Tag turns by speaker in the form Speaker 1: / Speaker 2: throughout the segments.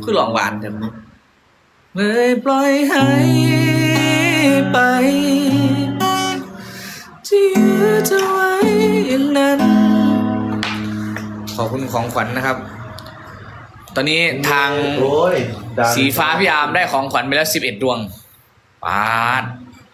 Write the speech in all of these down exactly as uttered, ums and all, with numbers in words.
Speaker 1: คือหลองหวานจังเลยปล่อยให้ไปที่ยื้อเธอไว้อย่างนั้นขอบคุณของขวัญนะครับตอนนี้ทางสีฟ้าพี่อาร์มได้ของขวัญไปแล้วสิบเอ็ดดวงปาด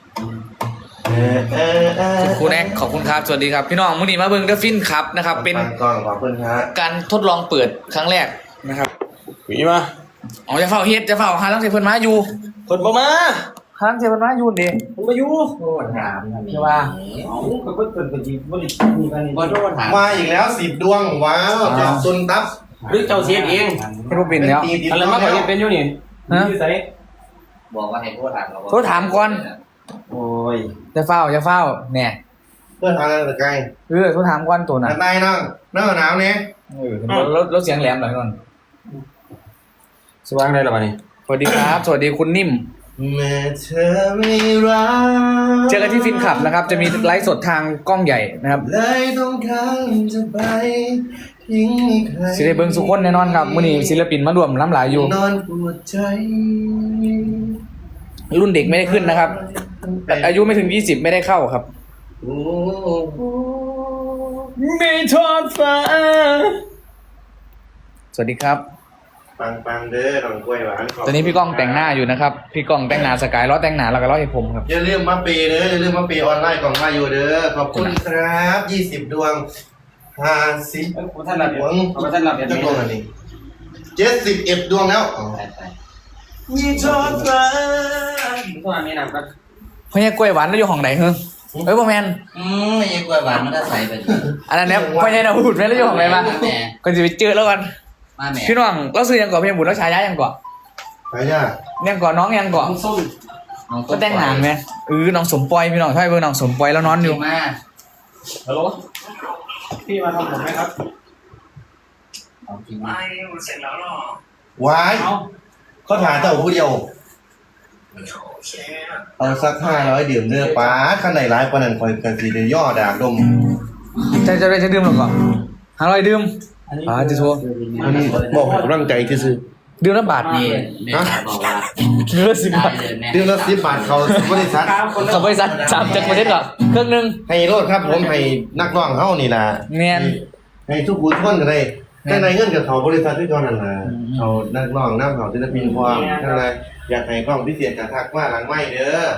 Speaker 1: คุณครูแน็กขอบคุณครับสวัสดีครับพี่น้องมื้อนี้มาเบิ่งเดอะฟินครับนะครับเป็นการทดลองเปิดครั้งแรกนะครับ
Speaker 2: มีมา
Speaker 1: อ๋อจะเฝ้าเฮ็ดจะเฝ้าหาลังเทเพิ่นมาอยู่
Speaker 2: เพิ่นบ่มา
Speaker 1: หาลังเทเพิ่นมาอยู่ดิ
Speaker 2: เพิ่นมาอยู่
Speaker 3: โทษถาม
Speaker 1: ใช่ป่ะ
Speaker 3: เอ้าเพิ่นเพิ่นเพิ่นสิบ่ได้มีกัน
Speaker 2: บ่โทษถาม
Speaker 4: มาอีกแล้วสิบดวงว้าวจับซุนตับ
Speaker 2: หรือเจ้าเสียเอง
Speaker 1: ให้บ่เป็นแล้ว
Speaker 2: อะไรมาขอเฮ็ดเป็นอยู่นี่อยู่ไส
Speaker 3: บอกว่าให้โทษถามเรา
Speaker 1: โทรถามก่อน
Speaker 2: โอ้ย
Speaker 1: จะเฝ้าจะเฝ้าแน่
Speaker 4: เพื่อนทางอะไรไกล
Speaker 1: เออโทรถามก่อนตัวน่ะ
Speaker 4: นายนั่งนั่งหนาวเนี่ย
Speaker 1: เออรถรถเสียงแหลมหน่อยก่อน
Speaker 2: สว่างได้แล้วบัดนี้
Speaker 1: สวัสดีครับสวัสดีคุณนิ่ม
Speaker 4: แม้เธอไม่รัก
Speaker 1: เจอกันที่ฟินคลับนะครับจะมีไลฟ์สดทางกล้องใหญ่นะครับ
Speaker 4: เลยต้องการจะไปทิ้งใคร
Speaker 1: สิได้เบิ่งสุคนแน่นอนครับมื้อนี้ศิลปินมารวมล้ำหลายอยู่
Speaker 4: นอนปวดใจ
Speaker 1: รุ่นเด็กไม่ได้ขึ้นนะครับอายุไม่ถึงยี่สิบไม่ได้เข้าครับไม่ทอดฟ้าสวัสดีครับ
Speaker 4: ปังปังเด้อหลังกล้วยหวาน
Speaker 1: ตอนนี้พี่ก้องแต่งหน้าอยู่นะครับพี่ก้องแต่งหน้าสกายล้อแต่งหน้าแล้วก็ล้อให้ผมครับ
Speaker 4: อย่าลืมมาเปย์เด้ออย่าลืมมาเปย์ออนไลน์กล่องมาอยู่เด้อขอบคุณครับยี่สิบดวงห้าสิบ
Speaker 2: ท่านรับดวงท่านรับ
Speaker 4: จะดวงอะไรเจ็ดสิบเอ็ดดวงแล้วมีทอดฟ้า
Speaker 2: ตัวนี้นะก็
Speaker 1: พ่อใหญ่กล้วยหวานแล้วอยู่ห้องไหนเฮ้ยเอ้ยบ่แม่น
Speaker 3: อืมไม่ใช่กล้วยหวานมันก็ใส่ไป
Speaker 1: อันนั้นเนี่ยพ่อใหญ่น่ะพูดแม่แล้วอยู่ห้องไหนมาก็สิไปเจอแล้วกันพี่น้องเราซื้อยังก่อนพี่บุญแล้วชายายังก่อน
Speaker 4: ชายา
Speaker 1: ยังก่อนน้องยังก่อน
Speaker 2: ส้ม
Speaker 1: ก็แต่งงานไหมเออน้องสมปอยพี่น้องใช่เบอร์น้องสมปอยแล้วนอนอยู่
Speaker 3: มา
Speaker 2: ฮัลโหลพี่มาทำผมไหมครับ
Speaker 3: เอาจริงไหมเสร็จแล้วหรอ
Speaker 4: วายเขาถ่ายเต่าผู้เดียวเอาสักห้าร้อยดื่มเนื้อปลาข้างในร้ายปนันคอยกันสีเดียย่อดากดม
Speaker 1: จะจะจะดื่มหรอก่อนห้าร้อยดื่มอ่าจะโชว์
Speaker 4: อันนี้บอกร่างใจที่ซื้อ
Speaker 1: ดื่มละบาท
Speaker 3: นี่เนี่ยบอกว่า
Speaker 1: ดื่มละสิบบาท
Speaker 4: ดื่มละสิบบาทเขาบริษัท
Speaker 1: เขาบริษัทสามจักรประเทศเหรอเครื่องนึง
Speaker 4: ให้โลดครับผมให้นักร้องเฮ้านี่นะ
Speaker 1: เนียน
Speaker 4: ให้ทุกคนทุกคนกันเลยข้างในเงินกับเขาบริษัทที่ก่อนนั่นแหละเขานักร้องน้ำเขาศิลปินความข้างในอยากให้กล้องพิเศษกับทักว่าหลังไม่เด้อ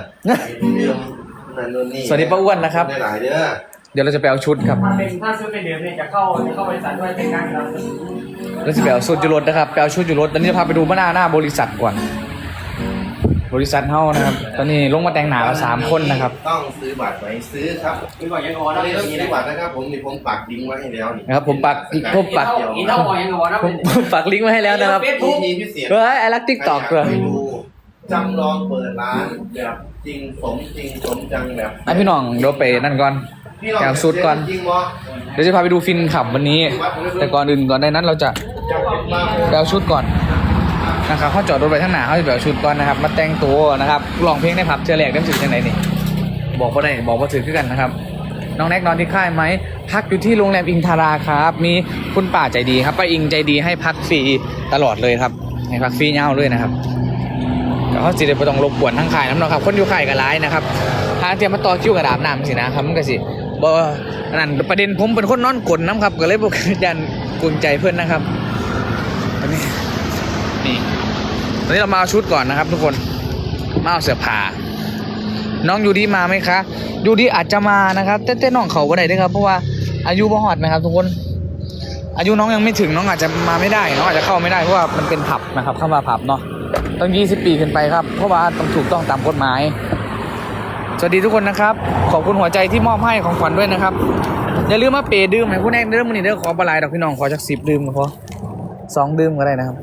Speaker 1: สวัสดีป้าอ้วนนะครับ
Speaker 4: หลายเด้อ
Speaker 1: เดี๋ยวเราจะไปเอาชุดครับ
Speaker 2: ถ้าเป็นถ้าซื้อเป็นเดือนเนี่ยจะเข้าจะเข้าบริษัทด้วยเป็นการครับ
Speaker 1: เราจะไปเอาชุดจุรถนะครับไปเอาชุดจุรถตอนนี้จะพาไปดูหน้าหน้าบริษัทก่อนบริษัทเฮ้านะครับตอนนี้ลงมาแต่งหน้าเราสามคนนะครับ
Speaker 4: ต้องซื้อบัตรไว้ซื้อครับ
Speaker 2: ซื้อบัตรยังงอ
Speaker 4: ตอนนี้ต้องซื้อบัตรนะครับผมนี่ผมปักลิงก์ไว้ให้แล้วนี่
Speaker 1: นะครับผมปักผมปัก
Speaker 2: อีเท่างอยังงอนะ
Speaker 1: ผมปักลิงก์ไว้ให้แล้วนะครับเฮ้ยไอ้รักติ๊กต็อกเลย
Speaker 4: จำลองเปิดร้านแบบจริงสมจริงสมจังแบบ
Speaker 1: ไอพี่น้องเดี๋ยวไปนั่นก่อนแเอาชุดก่อนเดี๋ยวจะพาไปดูฟินขับวันนี้แต่ก่อนอื่นก่อนในนั้นเราจะไปเอาชุดก่อนนะครับเขาจอดรถไปข้างหน้าเขาจะไปเอาชุดก่อนนะครับมาแต่งตัวนะครับร้องเพลงในผับเจอแหลกได้ถึงยังไงนี่บอกว่าได้บอกว่าถือขึ้นกันนะครับน้องแน็กนอนที่ค่ายไหมพักอยู่ที่โรงแรมอิงทาราครับมีคุณป้าใจดีครับป้าอิงใจดีให้พักฟรีตลอดเลยครับให้พักฟรีเงาเลยนะครับแต่เขาสิเดี๋ยวไปต้องรบกวนทั้งค่ายน้ำนะครับคนอยู่ค่ายกับร้ายนะครับทางเตรียมมาต่อคิวกระดาบน้ำสินะครับมันก็สิบ่นั่นประเด็นผมเป็นคนนอนกลนน้ำครับก็เลยบอกยันกุญใจเพื่อนนะครับตอนนี้นี่ตอนนี้เรามาเอาชุดก่อนนะครับทุกคนมาเอาเสื้อผ้าน้องยูดีมาไหมคะยูดีอาจจะมานะครับแต่แต่น้องเขาก็ได้ด้วยครับเพราะว่าอายุบ่ฮอดนะครับทุกคนอายุน้องยังไม่ถึงน้องอาจจะมาไม่ได้น้องอาจจะเข้าไม่ได้เพราะว่ามันเป็นผับนะครับเข้ามาผับเนาะต้องยี่สิบปีขึ้นไปครับเพราะว่าต้องถูกต้องตามกฎหมายสวัสดีทุกคนนะครับขอบคุณหัวใจที่มอบให้ของขวัญด้วยนะครับอย่าลืมมาเปย์ดื่มให้ผู้แน่นเริ่มมันนี่เด้อขอปลายดอกพี่น้องขอจักสิบดื่มก็พอสองดื่มก็ได้นะครับ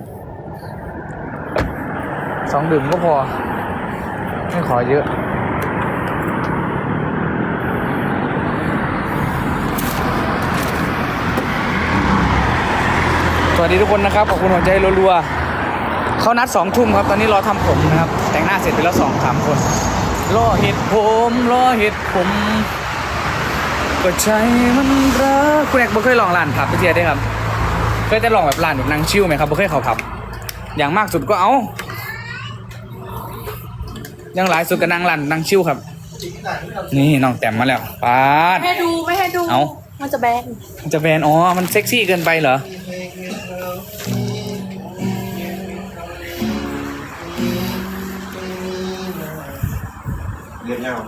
Speaker 1: สองดื่มก็พอไม่ขอเยอะสวัสดีทุกคนนะครับขอบคุณหัวใจรัวๆเขานัดสองทุ่มครับตอนนี้รอทำผมนะครับแต่งหน้าเสร็จไปแล้วสองสามคนรอเห็ดผมรอเห็ดผมก็ใจมันรักคุณแอกบ่เคยลองร้านผับไปเที่ยวได้ครับเคยแต่ลองแบบร้านแบบนั่งชิลไหมครับบ่เคยเข้าผับอย่างมากสุดก็เอาอย่างหลายสุดก็นั่งลั่นนั่งชิวครับ นี่น้องแต้มมาแล้วปาด
Speaker 5: ไม่ให้ดูไม่ให้ดู
Speaker 1: เอา
Speaker 5: มันจะแบน
Speaker 1: มันจะแบนอ๋อมันเซ็กซี่เกินไปเหรอ
Speaker 4: เรียบเงา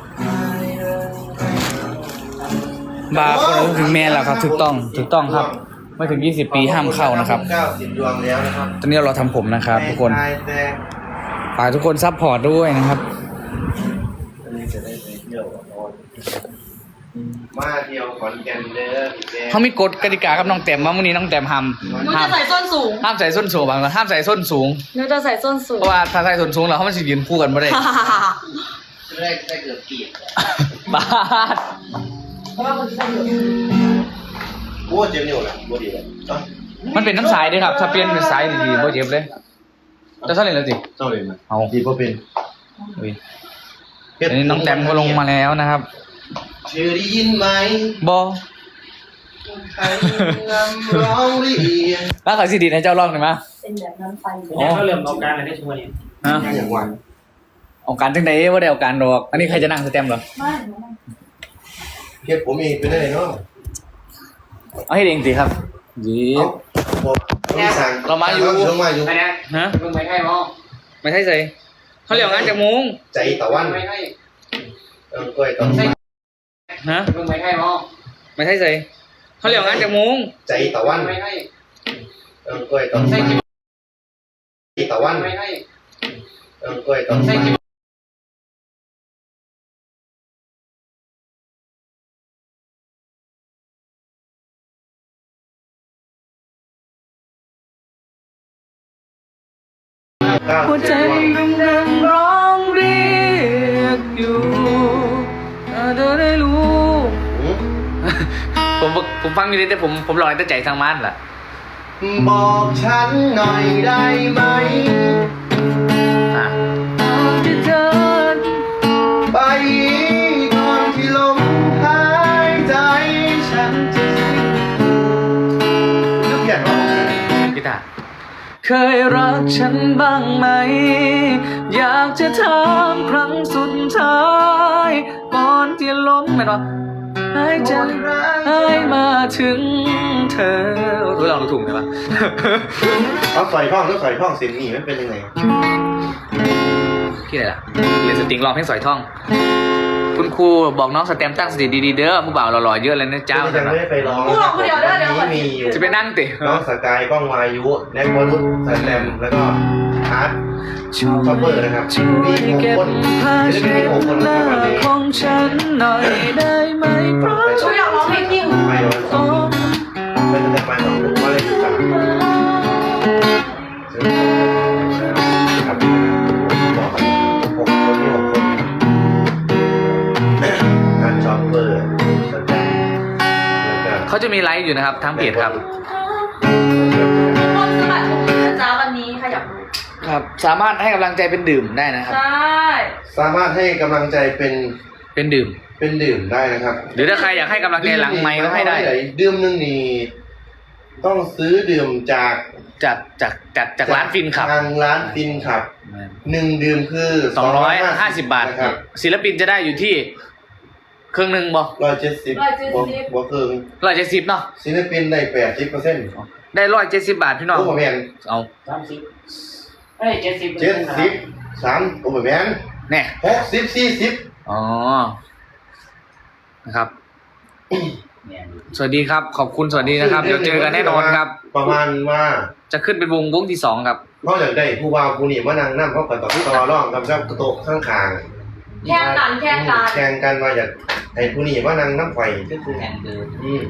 Speaker 1: บาร์คนถึงแมนแล้วครับถูกต้องถูกต้องครับ ไม่ถึงยี่สิบปีห้ามเข้านะครับ
Speaker 4: เก้าสิบดวงแล้วนะครับ
Speaker 1: ตอนนี้เราทำผมนะครับทุกคน
Speaker 4: แต่
Speaker 1: ฝากทุกคนซัพพอร์ตด้วยนะครับ
Speaker 4: อันนี้จะได้ไปเที่ยวกับน้องมาเที่ยวขอนแก่นเด้อพี่แจ๊ค
Speaker 1: เขามีกฎกติกากับน้องแต้มว่าวันนี้น้องแต้มห้าม
Speaker 5: หนู
Speaker 1: ห้า
Speaker 5: จะ
Speaker 1: ม
Speaker 5: ใส่ส้นสูง
Speaker 1: ห้ามใส่ส้นสูงบางคนห้ามใส่ส้นสูง
Speaker 5: หนูจะใส่ส้นสู
Speaker 1: เพ
Speaker 5: ง
Speaker 1: ราะว่าถ้าใส่ส้นสูงแล้วเขามันจะยืนคู่กันไม่ได้
Speaker 3: ได้ได้เกือบกีบ
Speaker 1: บาด
Speaker 4: โอ้เจ็บนิ้วแหละบ่ดีเลยเอ้า
Speaker 1: มันเป็นน้ำสายด้วยครับ ถ้าเปลี่ยนเป็นสายดีๆโบเจ็บเลยจะเท่าไหร่แล้วสิ
Speaker 4: เจ้าเลยนะ
Speaker 1: เอา
Speaker 4: ดีบ่เป็น
Speaker 1: อุ้ยอันนี้น้องแต้มก็ลงมาแล้วนะครับ
Speaker 4: เธอได้ยินไหม
Speaker 1: บอ
Speaker 4: ใครนำร้องเรียน
Speaker 1: แล้วขอซีดีให้เจ้าลองหน่อยมั้ย
Speaker 5: เป็นแบบนั้นไฟ
Speaker 2: เป็นยังเขาเริ่มเอาการอะไรได้ช่วยเนี่ย
Speaker 1: ฮะ
Speaker 4: อย่างวัน
Speaker 1: เอาการจังไหนว่าได้เอาการดอก อันนี้ใครจะนั่งสแตมป์เหรอ
Speaker 5: ไม่หนูไม่
Speaker 4: เฮ็ดผมเองเป็นได้เนาะ
Speaker 1: เอาให้เองสิครับยี
Speaker 4: เอ้าบอกต้องสั่ง
Speaker 1: เรามาอยู่
Speaker 4: เรามาอยู่
Speaker 2: อันนี้
Speaker 1: ฮะ
Speaker 2: เพิ่งไปให้หมอ
Speaker 1: ไม่ใช่ใส่เขาเรียกงานจากมุ้ง
Speaker 4: ใจตะวัน
Speaker 2: ไม่ให้
Speaker 4: เออก้อยต้อง
Speaker 1: ฮะ
Speaker 2: เพิ่งไปให้หมอ
Speaker 1: ไม่ใช่ใส่เขาเรียกงานจากมุ้ง
Speaker 4: ใจตะวัน
Speaker 2: ไม่ให้
Speaker 4: เออก้อยต้อง
Speaker 2: ใส่
Speaker 4: ใจตะวัน
Speaker 2: ไม่ให้
Speaker 4: เออก้อยต้อง
Speaker 2: ใส่
Speaker 1: หัวใจกำลังร้องเรียกอยู่ถ้าเธอได้รู้
Speaker 4: หืม
Speaker 1: ผมผมฟังอยู่ดีแต่ผมผมรอแต่ใจทางมันล่ะ
Speaker 4: บอกฉันหน่อยได้ไหม
Speaker 1: อ่ะที่เธอ
Speaker 4: ไปก่อนที่ลมหายใจฉันจะสิ้นนึกอยากร้อง
Speaker 1: กีตาร์เคยรักฉันบ้างไหม อยากจะถามครั้งสุดท้ายก่อนที่ล้มไม่หรอหายใจหายมาถึงเธอรู้ลองดูถูกไหมวะ
Speaker 4: เอาใส่ท่องแล้วใส่ท่องเสียงหนีมันเป็นยังไง
Speaker 1: ที่ไหนล่ะเรียนสตริงร้องเพลงสอยท่อง คุณครูบอกน้องสแตมตั้งสติดีๆเด้อผู้บ่าวหล่อๆเยอะเลยนะเจ้า
Speaker 4: ยังไม่ได้ไปร้อง
Speaker 5: พูดออกคนเดียวได้เดี๋ยวก่อน
Speaker 4: มีอยู่
Speaker 1: จะไปนั่งติ
Speaker 4: น้องสกายก้องวายุแน็กวรุษสแตมแล้วก็อาร์ตช็อปเปอร์นะครับมีหกคนจะได้มีหกคนนะครับวันนี้
Speaker 1: ของฉันหน่อยได้ไหมเพราะ
Speaker 5: หนูอยากร้องเพลงที่หนู
Speaker 4: ไปวันสองเป็นจะไปสองลูกว่าเลยครับครับบอกกันหกคนที่หกคนการช็อปเปอร์สแตมแล้วก็
Speaker 1: เขาจะมีไลฟ์อยู่นะครับทางเพจครับ
Speaker 5: คนสมัครตรงนี้นะจ๊ะวันนี้ใครอยากรู้
Speaker 1: ครับ สามารถให้กำลังใจเป็นดื่มได้นะครับ
Speaker 5: ใช่
Speaker 4: สามารถให้กำลังใจเป็น
Speaker 1: เป็นดื่ม
Speaker 4: เป็นดื่มได้นะครับ
Speaker 1: หรือถ้าใครอยากให้กำลังใจหลังไมค์ก็ให้ได้
Speaker 4: ดื่มหนึงนี่ต้องซื้อดื่มจาก
Speaker 1: จากจากจากจากร้านฟินขับ
Speaker 4: ทางร้านฟินขับหนึ่งดื่มคือ
Speaker 1: สองร้อยห้าสิบบาท
Speaker 4: นะครับ
Speaker 1: ศิลปินจะได้อยู่ที่เครื่องหนึ่งบอ
Speaker 4: ร้อยเจ็ดสิบ
Speaker 5: ร้อยเจ็ด
Speaker 4: บวก
Speaker 5: สิบ
Speaker 4: บวกครึ่ง
Speaker 1: ร้อยเจ็ดสิบเนาะ
Speaker 4: ศิลปินได้แปดสิบเปอร์เซ็นต์
Speaker 1: ได้ร้อยเจ็ดสิบบาทพี่น้อง
Speaker 4: โอ้โหแมน
Speaker 1: เอา
Speaker 2: สามสิบเอ้ยเจ็ดสิบ
Speaker 4: เจ็ดสิบสามโอ้โหแมน
Speaker 1: แน่
Speaker 4: หกสิบสี่สิบ
Speaker 1: อ๋อนะครับ สวัสดีครับ ขอบคุณสวัสดีนะครับ เดี๋ยวเจอกันแน่นอนครับ
Speaker 4: ประมาณว่า
Speaker 1: จะขึ้นเป็นวงวงที่สองครับ
Speaker 4: เขาอยากได้ผู้บ่าวผู้นี่มานั่งนั่งเขากันต่อต่อร่องกับเจ้าโต๊ะข้างข้าง
Speaker 5: แข่งกันแข่งกัน
Speaker 4: แข่งกันว่าอยากให้ผู้นี่มานั่งน้ำไฟ
Speaker 3: ก็คือแข่งเดิน
Speaker 4: อืม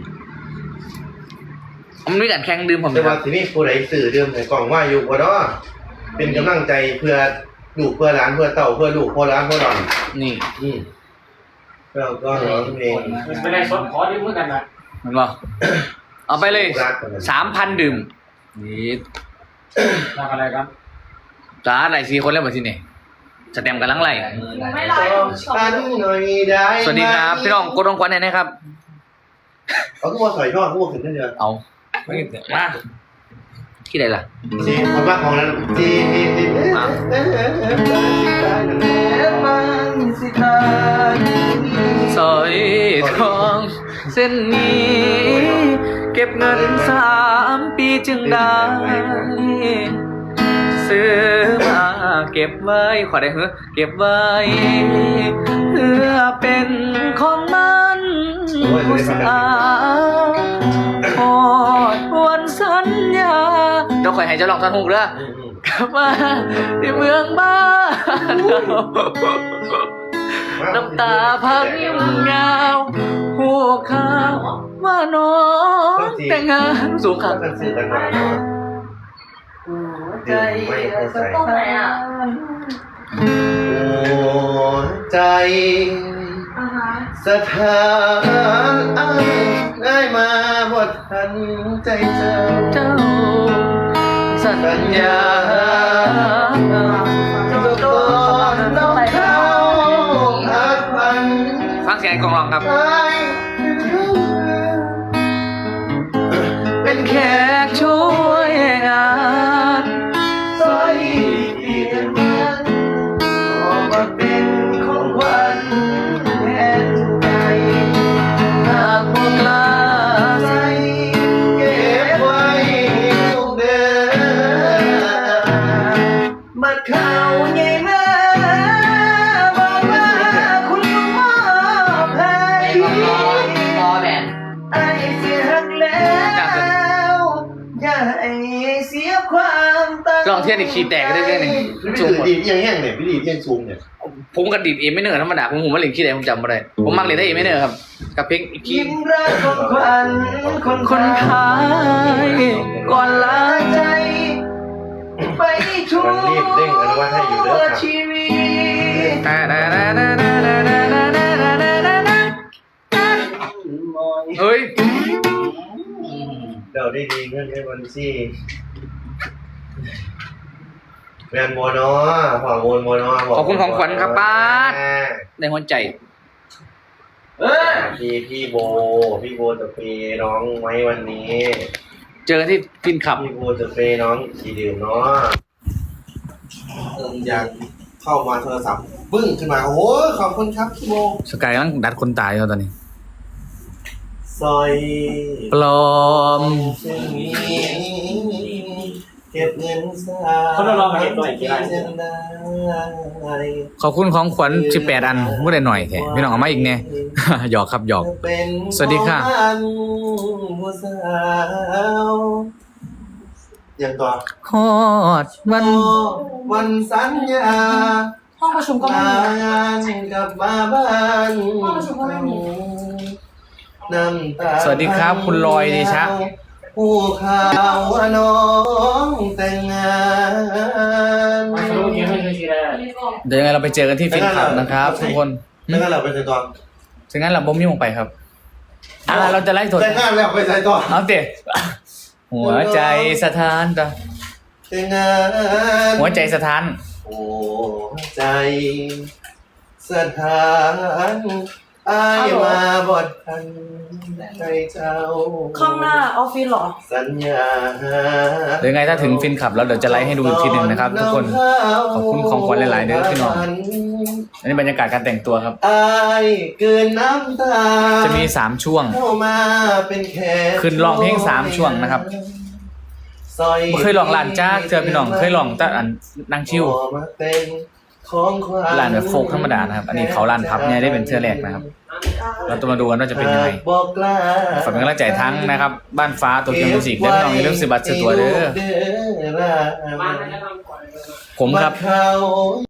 Speaker 1: มันมีการแข่งดื่มผม
Speaker 4: แต่
Speaker 1: นะค
Speaker 4: ว่า
Speaker 1: รับ
Speaker 4: ทีนี้ผู้ใดสื่อเดิมให้กล่องว่าอยู่บ่เนาะเป็นกำลังใจเพื่อลูกเพื่อหลานเพื่อเต่าเพื่อลูกเพื่อหลานเพื่อหลาน
Speaker 1: นี่
Speaker 4: อืมเราก็ร้องเพลง
Speaker 2: ไม่ได้สดขอดื่มเหมือนกันนะ
Speaker 1: เห็นป่ะเอาไปเลยสามพันดื่มนี่
Speaker 2: ทำอะไรครับ
Speaker 1: จ้าไหลสี่คนแล้วมาที่นี่สแตมกันลังไหล
Speaker 5: หนูไม่ไลฟ์
Speaker 4: ฉันหน่อยได้ไหม
Speaker 1: สวัสดีครับพี่น้องกดองควันเนี่ยนะครับ
Speaker 4: เอาทุกคนใส่ท่อทุกคนขึ้นได้เดียว
Speaker 1: เอาไม่มาที่ไหนล่ะ
Speaker 4: จีคนบ้าของนั้นจีจีจี
Speaker 1: อ่ะ สร้อยทองเส้นนี้ เก็บเงินสามปีจึงได้ ซื้อมาเก็บไว้ขอได้เหรอเก็บไว้ เพื่อเป็นของมันผู้สาวพอดวันสัญญาเดี๋ยวคอยให้เจ้าลองท่อนฮุกเด้อกลับมาที่เมืองบ้านเราน้ำตาพังยิ้มยาวหัวข้าวว่าน้องแต่งงานสูงขัง
Speaker 4: สื่อกันมาใจไม่เข้าใจ
Speaker 5: ตรงไหนอ่ะ
Speaker 4: หัวใจ
Speaker 5: อ่าฮะ
Speaker 4: สถานอ้างได้มาบททันใจเจ้า
Speaker 1: เจ้าสัญญา
Speaker 4: จะก่อนน้องเข้าหักพัน
Speaker 1: ฟังเสียงไอ้กองร้องครับ
Speaker 4: ไป
Speaker 1: เป็นแขกช่วยงาน
Speaker 4: สร้อยเพียงนั้นออกมาเป็นของขวัญแทนใจ
Speaker 1: หากพวกลา
Speaker 4: ใจเก็บไว้ลูกเดินบัดข่าวใหญ่มาบอกว่าคุณลุงมอบให้
Speaker 2: รอแบบ
Speaker 4: ไอ้เสียหักแล้วอย่าให้เสียความตั้ง
Speaker 1: ลองเทียนอีกขีดแตกก็ได้แค่นี้
Speaker 4: พี่
Speaker 1: จุ่ม
Speaker 4: ดีดยังแห้งเนี่ยพี่ดีดยังซูมเนี่ย
Speaker 1: ผมกับดิดเอไม่เนอร์ธรรมดาผมผมมาเล่นขี้แดงผมจำไม่ได้ผมมักเล่นได้เอไม่เนอร์ครับ กับเพลงอีกที
Speaker 4: ยิ้มรักคนควันคน
Speaker 1: คนพายก่อนลา
Speaker 4: ใจ ไปทั่วชีวิต
Speaker 1: เฮ้ย
Speaker 4: เดี๋ยวได้ดีเงื่อนให้วันซี่แมนโมโนฝั่งโมนโมโน
Speaker 1: ขอบคุณของขวัญครับป้าดในหัวใจ
Speaker 2: เออ
Speaker 4: พี่พี่โบพี่โบจะเปย์น้องไหมวันนี้
Speaker 1: เจอกันที่ฟินขับ
Speaker 4: พี่โบจะเปย์น้องขี่ดื่มเนาะเอออยากเข้ามาโทรศัพท์ปึ้งขึ้นมาโอ้โหขอบคุณครับพี่โบ
Speaker 1: สกายมันดัดคนตายแล้วตอนนี้
Speaker 4: ซอย
Speaker 1: ปลอม
Speaker 4: เส้นนี้เก็บเงินสา
Speaker 2: เขาต้องลองมาเก็บหน่อยกี่ไร
Speaker 4: เส้นได้
Speaker 1: ขอบคุณของขวัญสิบแปดอันไม่ได้หน่อยแท้พี่น้องเอามาอีกเนี่ย หยอกครับหยอก
Speaker 4: เป็น
Speaker 1: สวัสดีค่ะ
Speaker 4: ของมันผู้สาวอย่างต่อ
Speaker 1: ฮอดวัน
Speaker 4: วันสัญญา
Speaker 5: ห้องประชุมก็ไม่
Speaker 4: ลา
Speaker 5: มี
Speaker 4: งานกลับมาบ้าน
Speaker 5: ห้องประชุมก็ไม่มี
Speaker 4: น้ำตา
Speaker 1: สวัสดีครับคุณลอยเดชะ
Speaker 4: ผู้ข่าวว่าน้องแต่งงาน
Speaker 2: มาสรุปนี้ให้ดูทีแรก
Speaker 1: เดี๋ยวยังไงเราไปเจอกันที่ฟินขับนะครับทุกคน
Speaker 4: แล้วก็เราไปใส่ต่อ
Speaker 1: ฉะนั้นเราบ่มยุ่งไปครับอ่าเราจะไล่สด
Speaker 4: แต่งงานแล้วไปใส่ต่อ
Speaker 1: เอาเตะหัวใจสถานจ้ะ
Speaker 4: แต่งงาน
Speaker 1: หัวใจสถาน
Speaker 4: โอ้ใจสถานอายมาบดทันใจเจ้า
Speaker 5: ข้างหน้าออฟฟิศเหรอ
Speaker 4: สัญญา
Speaker 1: เดี๋ยวยังไงถ้าถึงฟินขับแล้วเดี๋ยวจะไลฟ์ให้ดูอีกทีหนึ่งนะครับทุกคน ขอบคุณของขวัญหลายๆเด้อพี่น้อง อันนี้บรรยากาศการแต่งตัวครับ
Speaker 4: อายเกินน้ำตา
Speaker 1: จะมีสามช่วง
Speaker 4: เข้ามาเป็นแขก
Speaker 1: ขึ้นร้องเพลงสามช่วงนะครับ
Speaker 4: ซอย
Speaker 1: บ่เคยลองลานจ้าเจอพี่น้องเคยลองแต่อันนั่งชิว
Speaker 4: ออกมาเป็นของขวัญ
Speaker 1: ลานแบบโฟกธรรมดานะครับ อันนี้เขาลานพับเนี่ยได้เป็นเสื้อแรกนะครับ เราจะมาดูกันว่าจะเป็นยังไง
Speaker 4: บอกกล้า
Speaker 1: ฝากเป็นกำลังใจทั้งนะครับ บ้านฟ้าตัวเกียวมิวสิกและพี่น้องอย่าลืมซื้อบัตรซื้อตั๋วเด้อ
Speaker 2: มาจะทำก่อน
Speaker 1: ผมครับ
Speaker 4: วัดเขา